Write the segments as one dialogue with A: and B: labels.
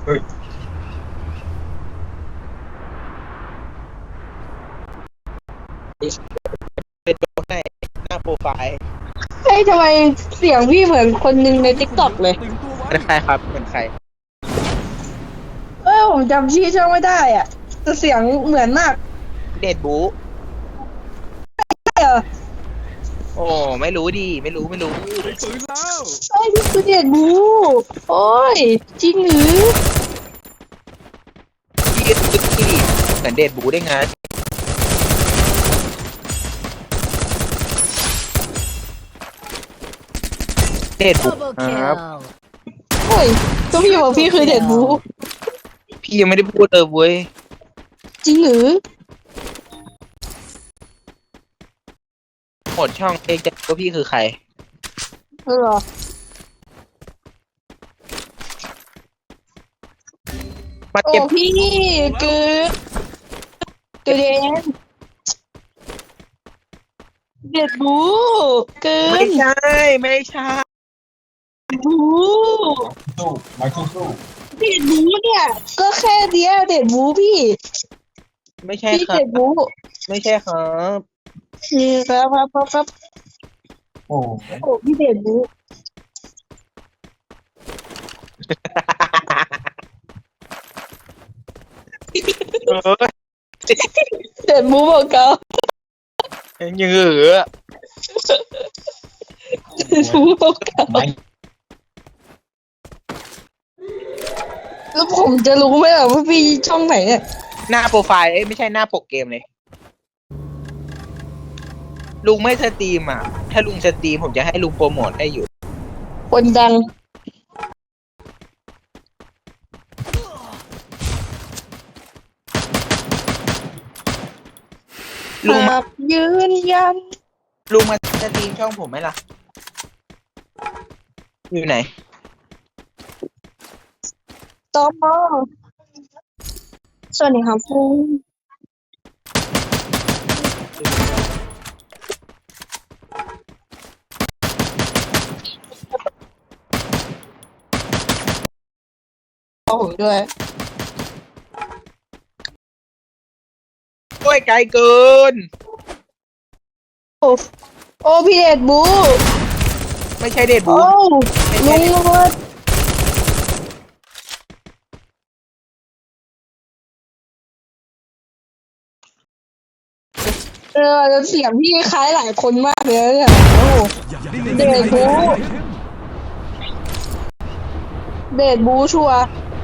A: เฮ้ย
B: เป็นตัวให้หน้าโปรไฟล์
C: เฮ้ยทำไมเสียงพี่เหมือนคนหนึ่งในติ๊กต็อกเลย
B: เป็นใครครับเป็นใคร
C: ผมจำชื่อช่องไม่ได้อ่ะแต่เสียงเหมือนมาก
B: เดดบู
C: ใช่เหรอ
B: โอ้ไม่รู้ดิไม่รู้
C: ใช่พี่คือเด็ดบูโอ้ยจริงหรือ
B: พี่พี่เหมือนเดดบูได้ไงเดดบูครับ
C: โอ้ยก็พี่บอกพี่คือเด็ดบู
B: พี่ยังไม่ได้พูดเลยเว้ย
C: จริงหรือ
B: หมดช่องเองจะว่าพี่คือใคร
C: เหรอ
B: มา
C: โอ้
B: เก็บ
C: พี่คือตัวเด่นเด็ดบูเกิ
B: ไม่
C: น
B: ใช่ไม่ใช่
C: บู
A: สู้ไม้สู้
C: เด็ดบูเนี่ยก็แค่เดียวเด็ดบูพี่
B: ไม่ใช่
C: พี่
B: ครับ
C: เด็ดบู
B: ไม่ใช่ครับ
C: นี่ครับ
A: โอ้
C: โอ้พี่เด็ดบู
B: เออ
C: เด็ดบูบอกเขา
B: ยังเหลือ
C: เด็ดบูบอกเขา
A: ไม้
C: แล้วผมจะรู้ไหมว่าพี่ช่องไหนเนี่ย
B: หน้าโปรไฟล์ไม่ใช่หน้าปกเกมเลยลุงไม่สตรีมอ่ะถ้าลุงสตรีมผมจะให้ลุงโปรโมทให้อยู่
C: คนดัง
B: ลุงมา
C: ยืนยัน
B: ลุงมาสตรีมช่องผมไหมล่ะอยู่ไหน
C: ตอมอสวัสดีครับคุณผมด้วย
B: โอ้ยไกลเกิน
C: โอ้พี่เดชบู
B: ไม่ใช่เดดบู
C: โอ้
B: ไม่
C: ลุ
B: ใช่
C: งโรดแล้วเสียงพี่คล้ายหลายคนมากเลยเนี่ยโอ้เดชบูเดชบูชัวร์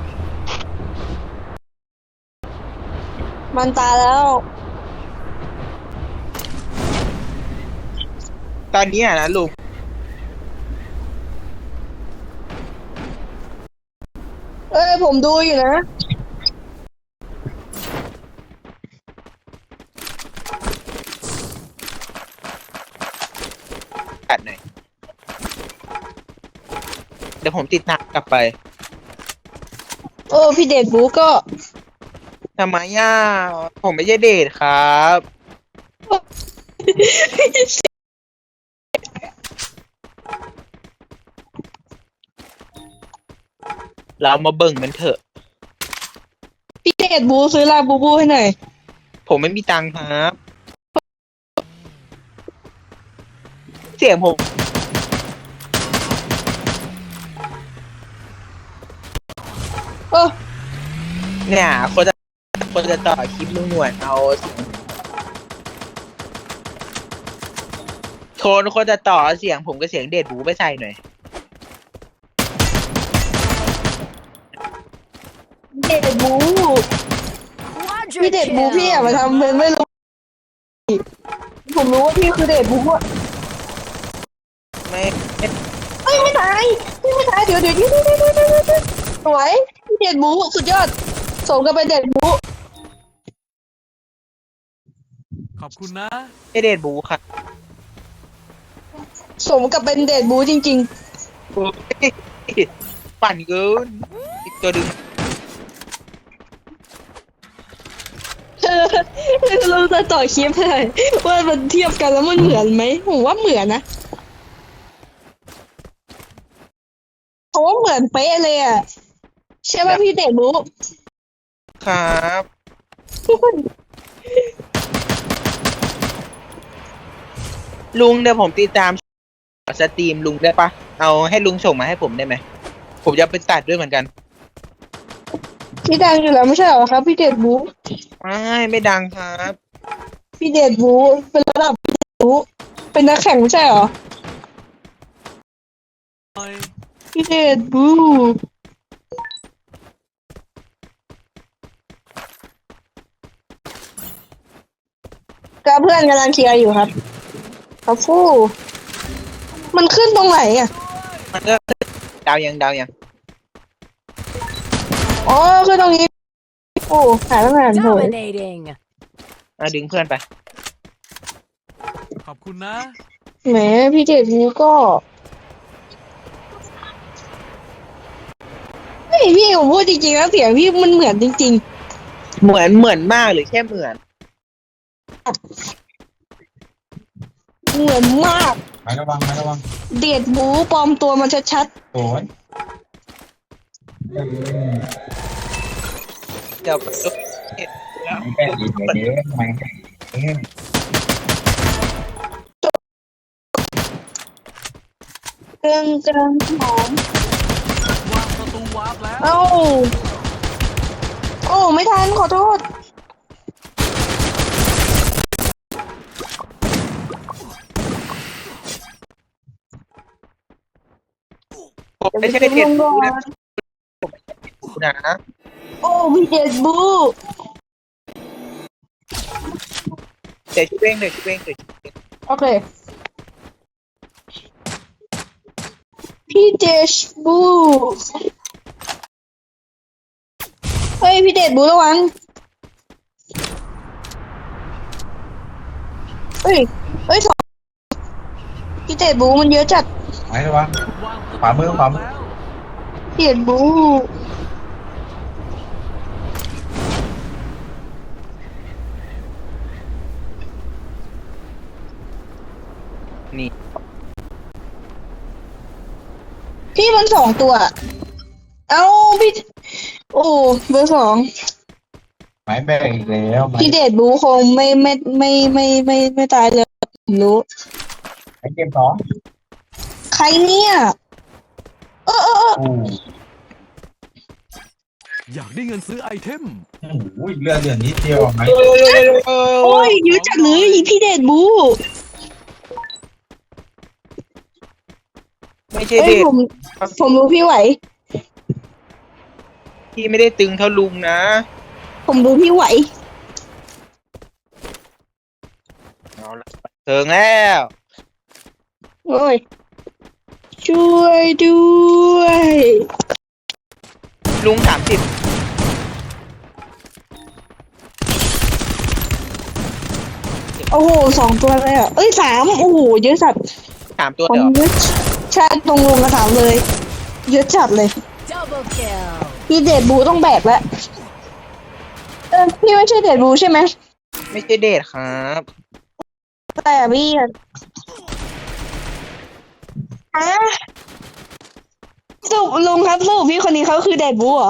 C: มันตายแล้ว
B: ตอนนี้นะลุง
C: ผมดูอยู่นะ
B: ตัดหน่อยเดี๋ยวผมติดตามกลับไป
C: พี่เดชบูก็
B: ทำไมย่าผมไม่ใช่เดทครับเรามาเบิ่งกันเถอะ
C: พี่เดชบูซื้อลาบูบูให้หน่อย
B: ผมไม่มีตังค์ครับเสียงผมเนี่ยคนจะต่อคลิปลุงหนวดเอาเสียงคนจะต่อเสียงผมกับเสียงเดดบูไปใส่หน่อย
C: เดชบูพี่เดชบูพี่อย่ามาทำเป็นไม่รู้ผมรู้ว่าพี่คือเดชบูอะ
B: ไม่
C: ไม่ตายไม่ตายเดี๋ยวสวยพี่เดชบูสุดยอดสมกับเป็นเดชบู
D: ขอบคุณนะ
B: ไม่เดดบูครับ
C: สมกับเป็นเดชบูจริง
B: โอ้ยปั่นเกินอีกตัวดึง
C: เราจะต่อคลิปให้ว่ามันเทียบกันแล้วมันเหมือนไหมผมว่าเหมือนนะเพราะว่าเหมือนเป๊ะเลยอ่ะใช่ป่ะพี่เดชบู
B: ครับ ลุงเดี๋ยวผมติดตามสตรีมลุงได้ปะเอาให้ลุงส่งมาให้ผมได้ไหมผมจะไปตัดด้วยเหมือนกัน
C: พี่ดังอยู่แล้วไม่ใช่เหรอครับพี่เดชบู
B: ไม่ดังครับ
C: พี่เดชบูเป็นระดับพี่เดชบูเป็นนักแข่งไม่ใช่เหรอ
D: หน่อย
C: พี่เดชบูก็เพื่อนกำลังเคลียร์อยู่ครับครับฟู่มันขึ้นตรงไหนอ่ะ
B: มันก็ดาวยัง
C: อ๋อขึ้นตรงนี้โอ้หาตั้งนานโหย
E: Dominating.
B: ดึงเพื่อนไป
D: ขอบคุณนะ
C: แหมพี่เดชบูก็เฮ้ยพี่ผมพูดจริงๆแล้วเสียงพี่มันเหมือนจริง
B: เหมือนมากหรือแค่เหมือน
C: ๆ เหมือนมาก
A: ไม่ระวังไม่ระวัง
C: เดชบูปลอมตัวมาชัด
A: โอ้ย
B: เดี๋ยว
A: ไม่แป้งอีกเยอะไม่แป้งเอ๊ะ
C: ๆเกินหอม
D: วางประตูวาร์ปแล้ว
C: เอ้าโอ้ไม่ทันขอโทษ
B: ผมไม่ใช่เด็ก
C: ลงก่อน
B: นะ
C: โอ้พี่เดชบู
B: เดี๋ยวช่วยเอง
C: โอเคพี่เดชบูเฮ้ยพี่เดชบูระวังเฮ้ยสองพี่เดชบูมันเยอะจัด
A: ไม่ระวัง
D: วางประตู
A: ขวามือขวามือ
D: แล้ว
C: พี่เดชบู
B: นี่
C: พี่มันสองตัว เอ้าพี่โอ้เบอร์สอง
A: ไม่แป้งอีกแล้วไม่
C: พี่เดชบูคงไม่ตายเลยผมรู้
A: ไม่เกมสอง
C: ใครเนี่ยเออ
A: โอ้
D: อยากได้เงินซื้อไอเทม
A: โหเลือดนิดเดียวไหม
C: โอ้ยเยอะจัดเลยพี่เดชบู
B: ไม่ใช่
C: เอ้ย
B: เด็ก
C: ผมรู้พี่ไหว
B: พี่ไม่ได้ตึงเท่าลุงนะ
C: ผมรู้พี่ไหว
B: เอาละเถิงแล้ว
C: โอ้ยช่วยด้วย
B: ลุง30
C: โอ้โหสองตัวเลยอ่ะเอ้ยสามโอ้โหเยอะจัด
B: ตัว
C: ผม
B: เดียว
C: เยอะใช่ตรงลงกระถามเลย เยอะจัดเลย
E: Double kill.
C: พี่เดชบูต้องแบกแล้วพี่ไม่ใช่เดชบูใช่ไหม
B: ไม่ใช่เดทครับ
C: แต่พี่อะฮะสรุปลุงครับสรุปพี่คนนี้เขาคือเดชบูเหรอ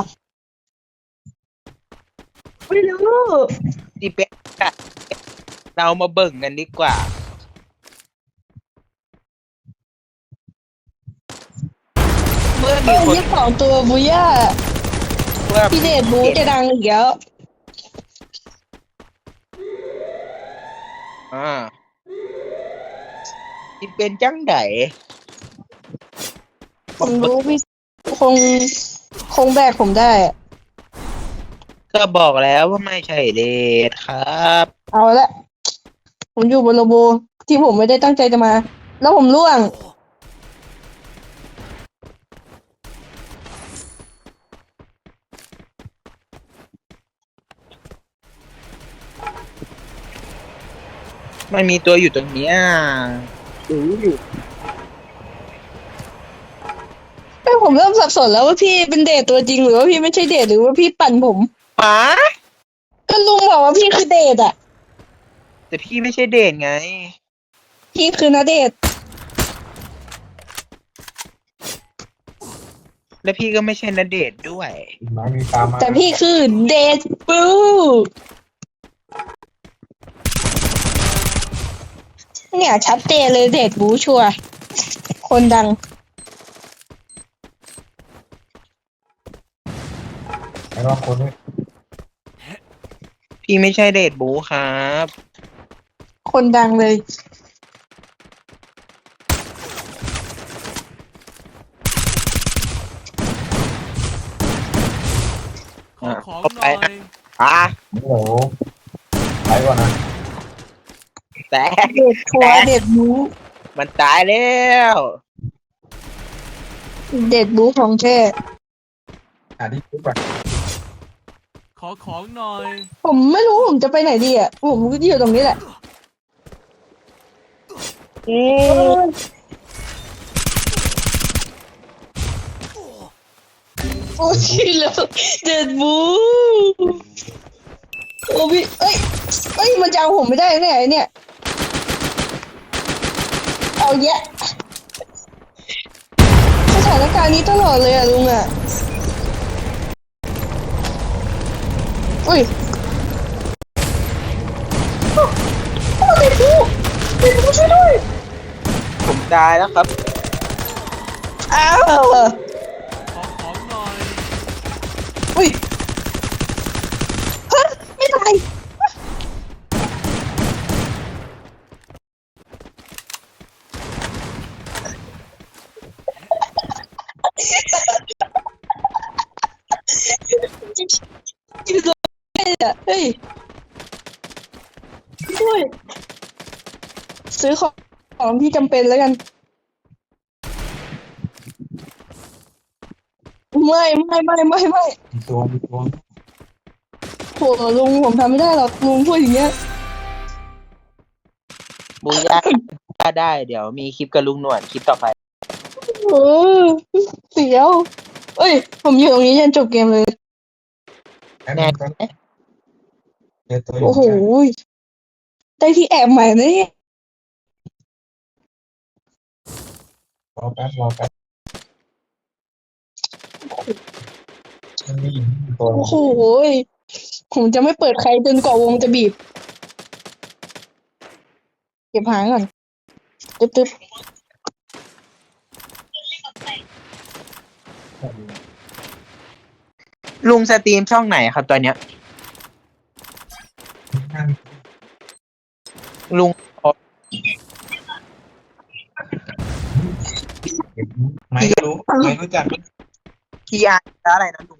C: ไม่รู้
B: ดีเป็นเรามาเบิ่งกันดีกว่า เมื่อมี
C: เอ้ย
B: คน
C: ยี่สองตัวบูย่า
B: เมื่อ
C: พี่เดชบูจะดังอีกแล้ว
B: ที่เป็นจังได
C: ผมรู้พี่คงแบกผมได้อะ
B: ก็บอกแล้วว่าไม่ใช่เดทครับ
C: เอาละผมอยู่บนโลโบที่ผมไม่ได้ตั้งใจจะมา แล้วผมร่วง
B: มันมีตัวอยู่ตรงเนี้ยดูอยู่
C: ผมเริ่มสับสนแล้วว่าพี่เป็นเดทตัวจริงหรือว่าพี่ไม่ใช่เดทหรือว่าพี่ปั่นผม
B: ป๋า
C: ก็ลุงบอกว่าพี่คือเดทอ่ะ
B: แต่พี่ไม่ใช่เดทไง
C: พี่คือนาเดท
B: และพี่ก็ไม่ใช่ณเดชน์ด้วย
A: น้อยมีตามมา
C: แต่พี่คือเดดบูเนี่ยชัดเจนเลยเดดบูชัวร์คนดัง
A: แล้วก็คนนี้
B: พี่ไม่ใช่เดชบูครับ
C: คนดังเลย
D: ขอของ
B: เข้า
D: ห
B: ไป
D: น่อย
B: อ่ะ
A: โอ้โหไปก่อนนะ
B: แต่
C: เดดชัวร์เดดบู
B: มันตายแล้ว
C: เดดบูของแท้
A: หาที่ปุ๊บอ่ะ
D: ขอของหน่อย
C: ผมไม่รู้ผมจะไปไหนดีอ่ะผมก็อยู่ตรงนี้แหละโอ้ยแล้วเดดบูโอ้พี่เอ้ยมันจะเอาผมไม่ได้แน่เนี่ยเอาแยะสถานการณ์นี้ตลอดเลยอ่ะลุงอ่ะอุ้ยโอ้เด็กผู้ช่วยด้วย
B: ผมตายแล้วครับ
C: อ้าว
D: ขอของหน่อย
C: อุ้ยฮะไม่ตายอยู่ตรงนี้อ่ะเฮ้ยช่วยซื้อของที่จำเป็นแล้วกันไม่
A: มีตัว
C: โหลุงผมทำไม่ได้หรอกลุงพูดอย่างเงี้ย
B: บูย่าได้เดี๋ยวมีคลิปกับลุงหนวดคลิปต่อไป
C: เออเสียวเอ้ยผมอยู่ตรงนี้ยันจบเกมเลย
B: แน่
A: เจอตัว
C: โอ้โหได้ที่แอบใหม่นะเนี่ย
A: รอแป๊บมันมีตัว
C: โอ้โหผมจะไม่เปิดใครจนกว่าวงจะบีบเก็บหางก่อนตึ๊บ
B: ลุงสตรีมช่องไหนครับตอนเนี้ย ลุง
A: ไม่รู้จัก
B: PR อะไรนะลุง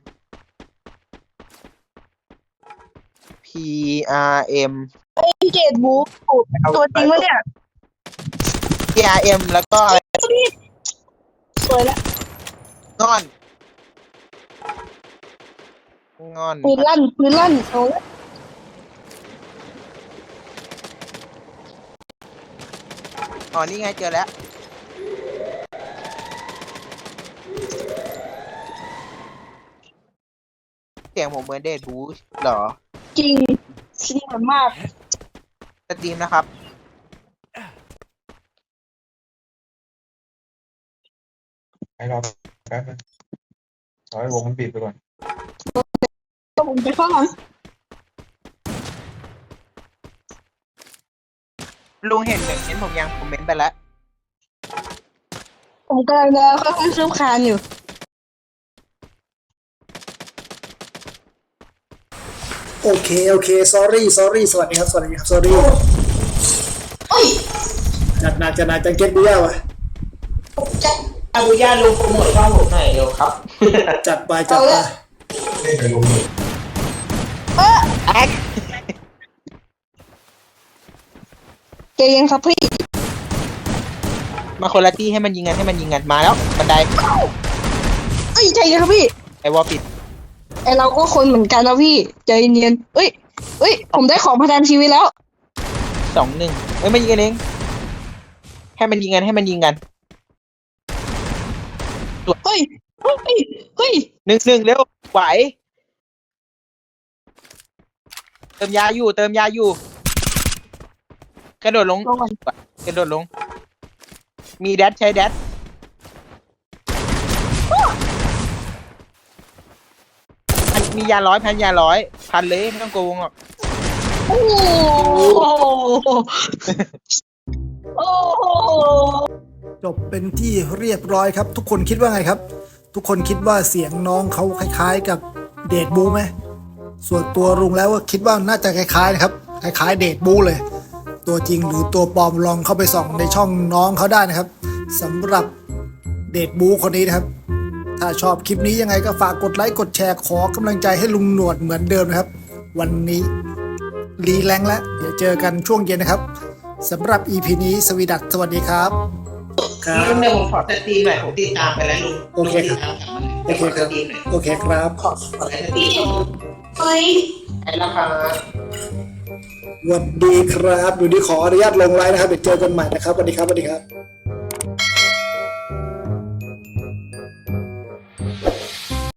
B: PRM
C: พี่เกดบูตัวจริงวะเนี่ย
B: PRM แล้วก็อะไร
C: สวยละ
B: งอน
C: ปืนลั่นเอาละ
B: อ๋อนี่ไงเจอแล้วเสียงผมเหมือนเดดบูชเหรอ
C: จริงเสียมาก
B: สตรีมนะครับ
A: ให้รอแป๊บนึงรอให้วงมันปิดไปก่อน
C: ผมไปเข้าหลัง
B: ลุงเห็นหนึ่งเห็นผมยังผมเมนต์ไปแล้ว
C: ผมกำลังจะค่อยๆคืบคลานอยู่
E: โอเค sorry สวัสดีครับ sorry จัดหนักจังเก็ตบูย่าวะ
B: อาบุย่าลุงโปรโมทช่องผมหน่อยเร็วครับ
E: จัดไป
A: ไม่ไปลงเลย
B: แอ๊ก
C: ใจเย็นครับพี่
B: มาคนละที่ให้มันยิงกันมาแล้วบันได
C: ใจเย็นครับพี่
B: ไอวอลปิด
C: ไอเราก็คนเหมือนกันนะพี่ใจเย็นเอ้ยผมได้ของประทานชีวิตแล้ว
B: 2-1ไม่ยิงกันเองให้มันยิงกัน
C: เฮ้ย
B: 1-1เร็วไหวเติมยาอยู่กระโดดลง
C: ลงก่อน
B: กระโดดลง มีแดดใช้แดดมียาร้อยพันยาร้อยพันเลยไม่ต้องโกงหรอก
C: โอ้โหโอ้โห
E: จบเป็นที่เรียบร้อยครับ ทุกคนคิดว่าไงครับ ทุกคนคิดว่าเสียงน้องเขาคล้ายๆกับเดดบูไหมส่วนตัวลุงแล้วว่าคิดว่าน่าจะคล้ายๆนะครับคล้ายๆเดดบูเลย ตัวจริงหรือตัวปลอมลองเข้าไปส่องในช่องน้องเขาได้นะครับสำหรับเดดบูคนนี้นะครับ ถ้าชอบคลิปนี้ยังไงก็ฝากกดไลค์กดแชร์ขอกำลังใจให้ลุงหนวดเหมือนเดิมนะครับ วันนี้รีแรงแล้วเดี๋ยวเจอกันช่วงเย็นนะครับสำหรับ EP นี้สวีดัตสวัสดีครับครับ
B: ลุงเดี๋ยวผมขอสตรีมหน่อยผมติดตามไปแล้วลุง
E: โอเคครับ โอเคครับโอเคครับ
B: ขอสตรีม
C: เฮ้ย
B: ไอ้ราคา
E: สวัสดีครับอยู่ดีขออนุญาตลงไลน์นะครับเดี๋ยวเจอกันใหม่นะครับสวัสดีครับสวัสดีครับ